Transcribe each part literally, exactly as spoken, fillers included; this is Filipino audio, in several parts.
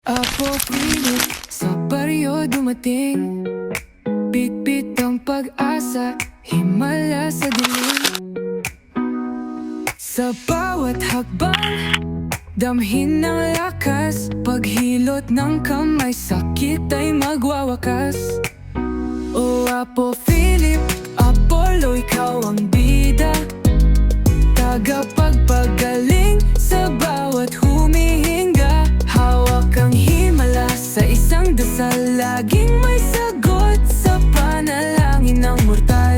Apo pilit sa baryo dumating, bitbit ang pag-asa, himala sa dilim. Sa bawat hakbang, damhin ng lakas, paghilot ng kamay, sakit ay magwawakas. O Apo Philip, Apollo, ikaw ang bida, tagapagpagaling sa bawat humihinga. Hawak ang himala sa isang dasal, laging may sagot sa panalangin ng mortal.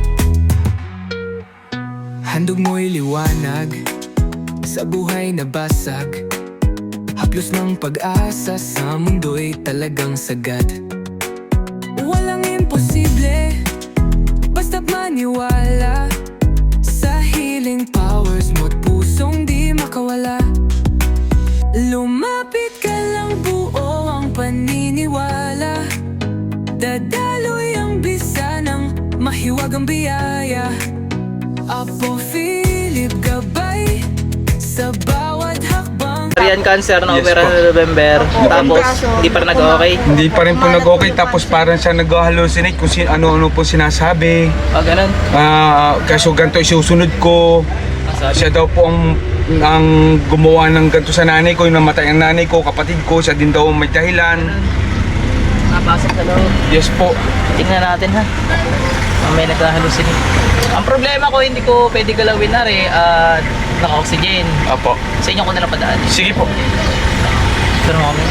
Handog mo'y liwanag sa buhay na basag, haplos ng pag-asa sa mundo'y talagang sagad. Walang imposible, basta't maniwala sa healing powers mo't pusong di makawala. Lumapit ka lang, buo ang paniniwala, dadaloy ang bisa ng mahiwagang biyaya. Apo Philip, gabay sa bawat hakbang. Ovarian cancer na Yes opera po. sa November, tapos hindi pa rin nag-okay. Hindi pa rin po nag-okay, tapos parang siya nag-hallucinate kung sin ano-ano po sinasabi. Ah, ganun. Ah, kaso ganito isusunod ko. Sabi. Siya daw po ang, ang gumawa ng ganito sa nanay ko, yung namatay ang nanay ko, kapatid ko, siya din daw ang may dahilan. Napasok sa loob. Yes po. Tingnan natin ha. May nagka-hallucinate. Ang problema ko, hindi ko pwede galawin na rin at naka-oxygen. Apo. Sa inyo ko na lang padaan. Sige po. Pero kami.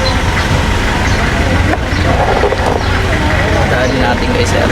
Dali natin guys, sir.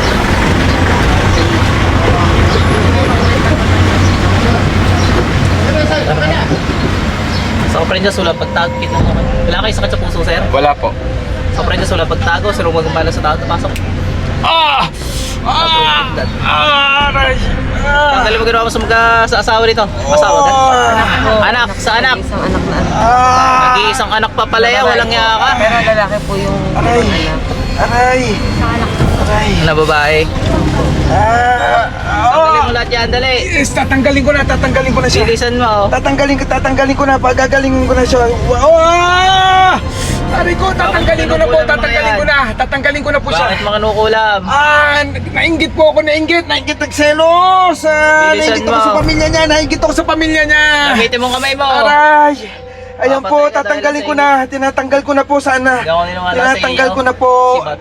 Sa Oprenda Sula, pagtago kita naman. Wala kayo sakit sa puso, sir? Wala po. Sa Oprenda Sula, pagtago, sir, huwag magmala sa tao. Pasok. Ah! Ah! Ah! Aray! Ah! Tanggalin mo ginawa mo sa mga sa asawa nito. Asawa ka? Anak, sa anak. Isang anak na anak. Ah! Nag-iisang anak pa pala yan, walang yaka. Pero lalaki po yung Aray! anak. Aray! Aray! Na babae. Ah! Tanggalin mo lahat yan, dali. Yes, tatanggalin ko na, tatanggalin ko na siya. Bilisan mo. Tatanggalin ko, tatanggalin ko na, pagagaling ko na siya. Wow! Aray ko, tatanggalin ko na po, tatanggalin ko na, tatanggalin ko na po siya. Bakit mga nukulam? Ah, nainggit po ako, nainggit, nainggit nagselos. Ah, Bilisan nainggit ako mo. sa pamilya niya, nainggit ako sa pamilya niya. Gamitin mo ang kamay mo. Aray! Ayan Papatay po, ka dahil tatanggalin sa ko na, tinatanggal ko na po sana. Hindi ako niniwala sa Tinatanggal iyo. ko na po. Sibat.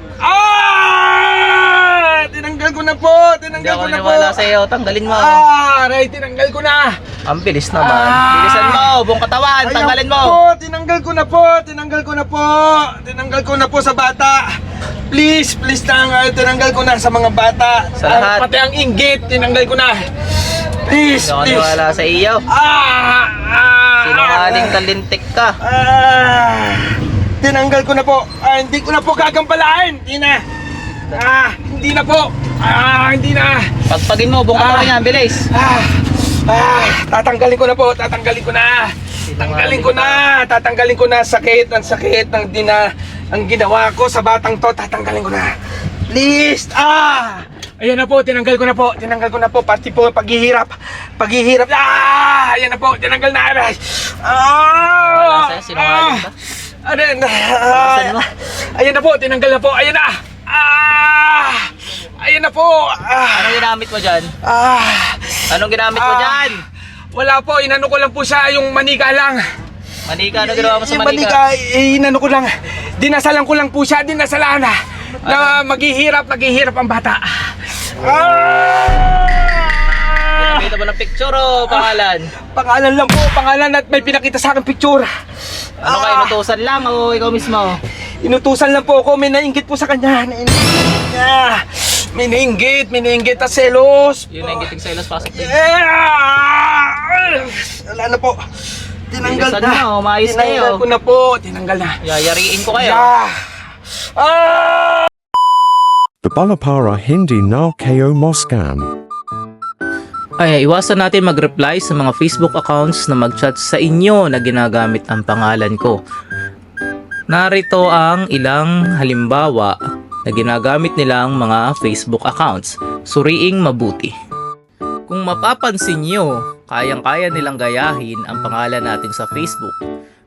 Ah! Tinanggal ko na po, Hindi tinanggal ako ko na po. naniwala sa iyo, tanggalin mo. Ah, aray, tinanggal ko na. Ang bilis naman. Ah! Bilisan mo, buong katawan, Ayan tanggalin mo. po, tinanggal ko na po, tinanggal ko na po. Tinanggal ko na po sa bata. Please, please lang, ah, tinanggal ko na sa mga bata. Sa lahat. Ah, pati ang inggit, tinanggal ko na. Please, Hindi ako please. naniwala sa iyo. Ah, ah, Sinungaling talintik ka. Ah, tinanggal ko na po. Ah, hindi ko na po gagampalain. Hindi na. Ah, hindi na po. Ah, hindi na. Pagpagin mo, buong katawan Ah. niya, bilis. Ah, ah, tatanggalin ko na po. Tatanggalin ko na. Tatanggalin ko na. Tatanggalin ko na sakit, ang sakit ng dina, ang ginawa ko sa batang to. Tatanggalin ko na. Please. Ah! Ayan na po, tinanggal ko na po. Tinanggal ko na po pati po paghihirap. Paghihirap. Ah! Ayan na po, tinanggal na. Aray. Ah! Wala sa'yo, sinungaling ka. Ah! Ayan na. Bilisan mo. Ayan na po, tinanggal na po. Ayan na. Ah! Ayan na po. Ah! Anong ginamit mo dyan? Ah! Anong ginamit mo Ah. dyan? Wala po, inano ko lang po siya, yung manika lang. Manika, ano ginawa mo sa Yung manika? eh, inano ko lang. Dinasalan ko lang po siya, dinasalan na. Na maghihirap, maghihirap ang bata. Ah! Pinakita mo ng picture o pangalan? Pangalan lang po, pangalan at may pinakita sa akin picture. Ano ka, inutusan lang o ikaw mismo? Inutusan lang po ako, may nainggit po sa kanya. Nainggit niya. May nainggit, may nainggit at selos. Yun na yung gitig sa ilas, pasok din. Yeah! Wala na po. Tinanggal Bilisan na. mo, umayos Tinanggal kayo. ko na po, tinanggal na. Yayariin ko kayo. Yeah! Ah! Babalapara Hindi na Kayo Moscan. Ay, iwasan natin mag-reply sa mga Facebook accounts na mag-chat sa inyo na ginagamit ang pangalan ko. Narito ang ilang halimbawa na ginagamit nilang mga Facebook accounts. Suriing mabuti. Kung mapapansin nyo, kayang-kaya nilang gayahin ang pangalan natin sa Facebook.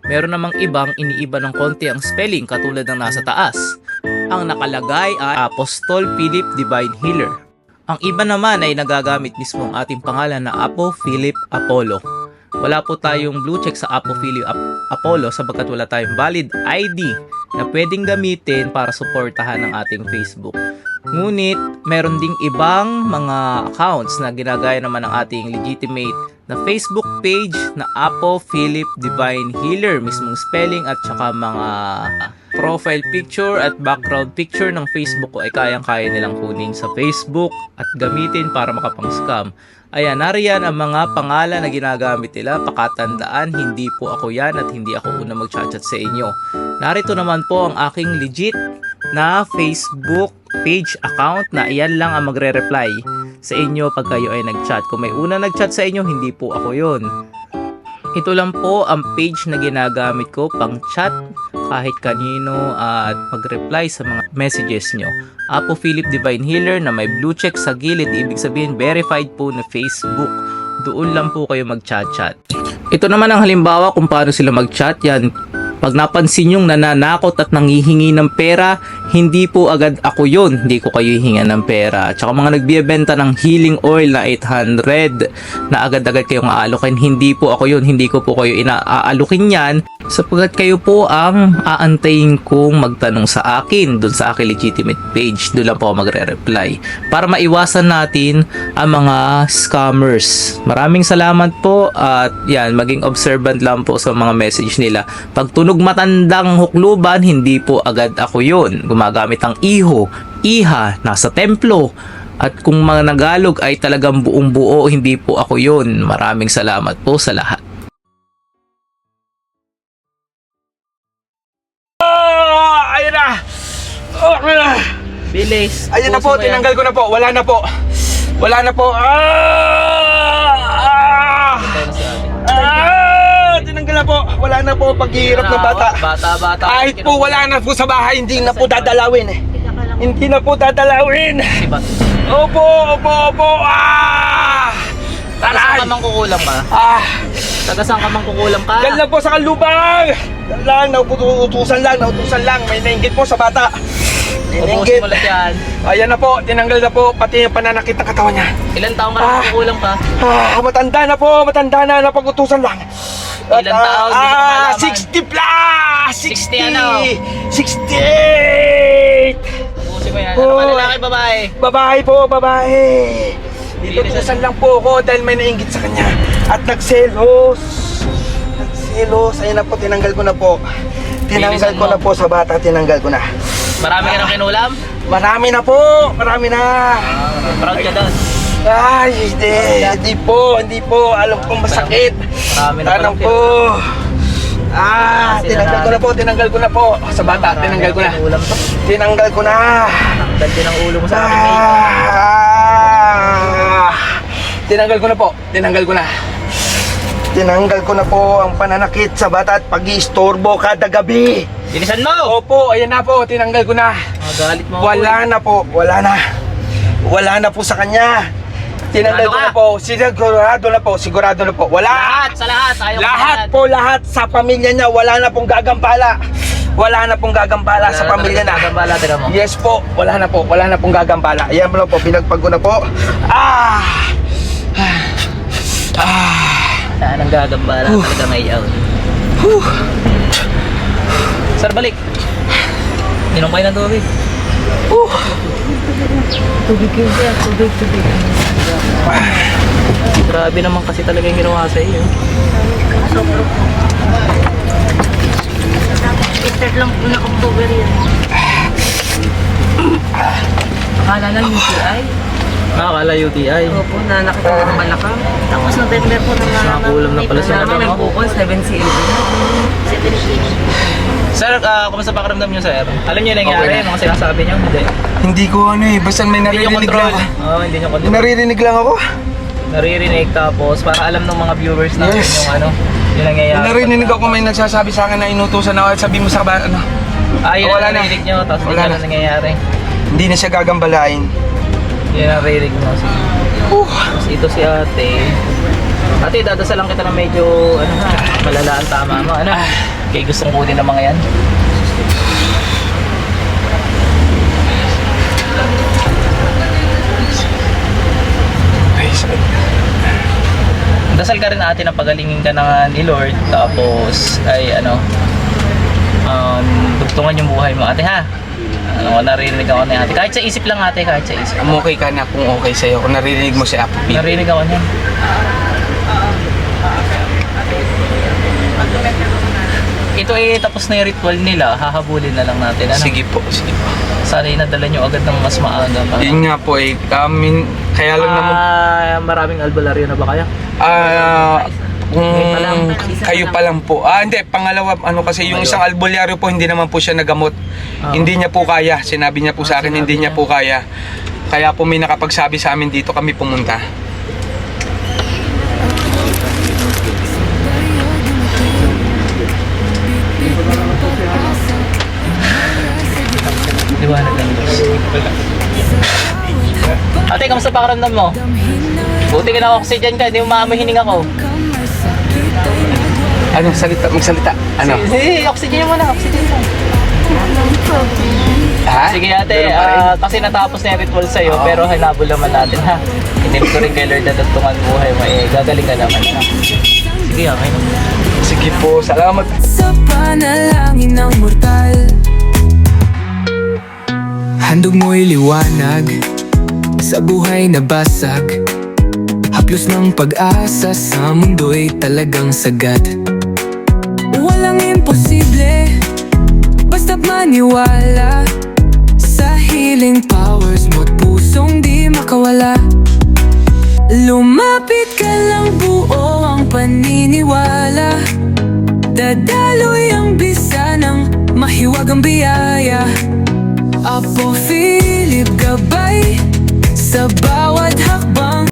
Meron namang ibang iniiba ng konti ang spelling katulad ng nasa taas. Ang nakalagay ay Apostol Philip Divine Healer. Ang iba naman ay nagagamit mismo ang ating pangalan na Apo Philip Apollo. Wala po tayong blue check sa Apo Philip Ap- Apollo sapagkat wala tayong valid I D na pwedeng gamitin para suportahan ang ating Facebook. Ngunit meron ding ibang mga accounts na ginagaya naman ng ating legitimate na Facebook page na Apo Philip Divine Healer, mismong spelling at saka mga profile picture at background picture ng Facebook ko ay kayang-kaya nilang kunin sa Facebook at gamitin para makapang-scam. Ayan, nariyan ang mga pangalan na ginagamit nila. Pakatandaan, hindi po ako yan at hindi ako una mag-chat sa inyo. Narito naman po ang aking legit na Facebook page account na iyan lang ang magre-reply sa inyo pag kayo ay nag-chat. Kung may una nag-chat sa inyo, hindi po ako yon. Ito lang po ang page na ginagamit ko pang chat kahit kanino at mag-reply sa mga messages nyo. Apo Philip Divine Healer na may blue check sa gilid, ibig sabihin verified po na Facebook. Doon lang po kayo mag-chat-chat. Ito naman ang halimbawa kung paano sila mag-chat. Yan, pag napansin yung nananakot at nangihingi ng pera, hindi po agad ako yun. Hindi ko kayo hihingan ng pera. Tsaka mga nagbibenta ng healing oil na eight hundred na agad-agad kayong aalukin, hindi po ako yun. Hindi ko po kayo inaalukin yan sapagkat kayo po ang aantayin kong magtanong sa akin dun sa aking legitimate page. Doon lang po ako magre-reply para maiwasan natin ang mga scammers. Maraming salamat po at yan, maging observant lang po sa mga message nila. Pag tunog matandang hukluban, hindi po agad ako yun. Gumagamit ng iho, iha, nasa templo. At kung mga Nagalog ay talagang buong buo, hindi po ako yun. Maraming salamat po sa lahat. Oh, ayun na. Oh, ayun na. Bilis. Ayun na po, tinanggal ko na po. Wala na po. Wala na po. Ah! Ah! Ah! Tinanggal na po. Wala na po paghihirap ng bata. Bata, bata. Kahit po wala na po sa bahay, hindi na po dadalawin eh. Hindi na po dadalawin. Opo, opo, opo. Ah! Taga saan ka Taray! mang kukulam ka? Ah! Taga saan ka mang kukulam ka? Yan lang po sa kalubang. Yan lang, nautusan lang, nautusan lang. May nainggit po sa bata. Ubusin mo lang yan. Ayan na po, tinanggal na po pati yung pananakit ng katawan niya. Ilan taong ka Ah. nang kukulam ka? Ah, matanda na po, matanda na, napag-utusan lang. Ilan taon? Hindi ko Ah, malaman. sixty plus! sixty sixty! ano? sixty-eight! Ubusin mo yan. Oh. Ano ba lalaki, babae? Babae po, babae. Hindi Inutusan lang po ako dahil may nainggit sa kanya. At nagselos. Nagselos. Ayun na po, tinanggal ko na po. Tinanggal Bilisan ko mo. na po sa bata, tinanggal ko na. Marami ka nang kinulam? Marami na po, marami na. Proud ka doon. Ay, hindi, hindi po, hindi po. Alam kong masakit. Marami na Tanong palang po. Ah, tinanggal ko na po, tinanggal ko na po. Sa bata, tinanggal ko na. Kinulam to. Tinanggal ko na. Tanggal din ang ulo mo sa akin, mate. Ah, tinanggal ko na po, tinanggal ko na. Tinanggal ko na po ang pananakit sa bata at pag-iistorbo kada gabi. Bilisan mo! Opo, ayan na po, tinanggal ko na. Magalit mo ako, Wala na po, wala na. Wala na po sa kanya. Tinanggal ko Sigurado na ka? po, sigurado na po, sigurado na po. Wala. Lahat, sa lahat. Ayaw ko Lahat lahat. po, lahat sa pamilya niya, wala na pong gagampala. Wala na pong gagampala sa pamilya na. Gagambala, tira mo. Yes po, wala na po, wala na pong gagampala. Ayan mo lang po, pinagpag ko na po. Ah! Ah! Saan ang gagambala talaga ngayon? Sir, balik. Inom kayo ng tubig. Uh! Tubig yun siya. Tubig, tubig. Grabe naman kasi talaga yung ginawa sa iyo. Start lang po na October yan. Akala lang U T I. Nakakala U T I. Opo, na nakita ko ng balakang. Tapos November po nang Nakakulam na pala siya. Naman nagbukol, seven C M. seven C M. Sir, uh, kumusta pakiramdam niyo, sir? Alam niyo yung nangyari, Okay. mga sinasabi niyo? Hindi. Hindi ko ano eh, basta may Hindi niyo naririnig control. lang ako. Oo, hindi niyo control. Naririnig lang ako. Naririnig tapos para alam ng mga viewers natin Yes. yung ano, yung nangyayari. Narinig ako may nagsasabi sa akin na inutusan ako at sabi mo sa ba, ano, Ah, yun Wala ang na. narinig niyo, tapos hindi Wala niyo na. alam nangyayari. hindi na siya gagambalain. Yun ang narinig mo. Sige. Uh, Tapos ito si ate. Ate, dadasal lang kita na medyo, ano na, malala ang tama mo. Ano? Kaya gustong kunin ng mga yan. Ay, sakit. Dasal ka rin ate na pagalingin ka na ni Lord. Tapos, ay ano, um, dugtungan yung buhay mo ate ha. Ano, narinig ako na ate. Kahit sa isip lang ate, kahit sa isip. Um, okay ka na kung okay sa'yo. Kung narinig mo si Apo P. Narinig ako niyan. Ito eh, tapos na yung ritual nila. Hahabulin na lang natin. Ano? Sige po, sige po. Sana inadala nyo agad ng mas maaga. Para... Yun nga po eh, kami, kaya lang naman, Ah, maraming albularyo na ba kaya? ah, kung Ngayon pa lang. kayo pa lang po. Ah, hindi, pangalawa, ano kasi yung Ayun. isang albularyo po, hindi naman po siya nagamot. Ah. Hindi niya po kaya, sinabi niya po Ah, sa akin, hindi sinabi niya niya. po kaya. Kaya po may nakapagsabi sa amin dito kami pumunta. Liwanag ng Diyos. Ate, kamusta pakiramdam mo? Buti ka na oxygen ka, hindi mo maamoy hininga ko. Ano, salita, magsalita. Ano? Sige, oxygen mo na, oxygen mo. Ha? Sige ate, Ganun pa rin? ah, kasi natapos na yung ritual sa'yo, Oo. pero hinabol naman natin ha. Hindi ko rin kay Lord na tuntungan buhay mo, eh, gagaling ka naman ha. Sige, okay na. Sige po, salamat. Sa panalangin ng mortal, handog mo'y liwanag sa buhay na basag. Haplos ng pag-asa sa mundo'y talagang sagat. Walang imposible, basta't maniwala sa healing powers mo't pusong di makawala. Lumapit ka lang, buo ang paniniwala. Dadaloy ang bisa ng mahiwagang biyaya. Apo Philip gabay sa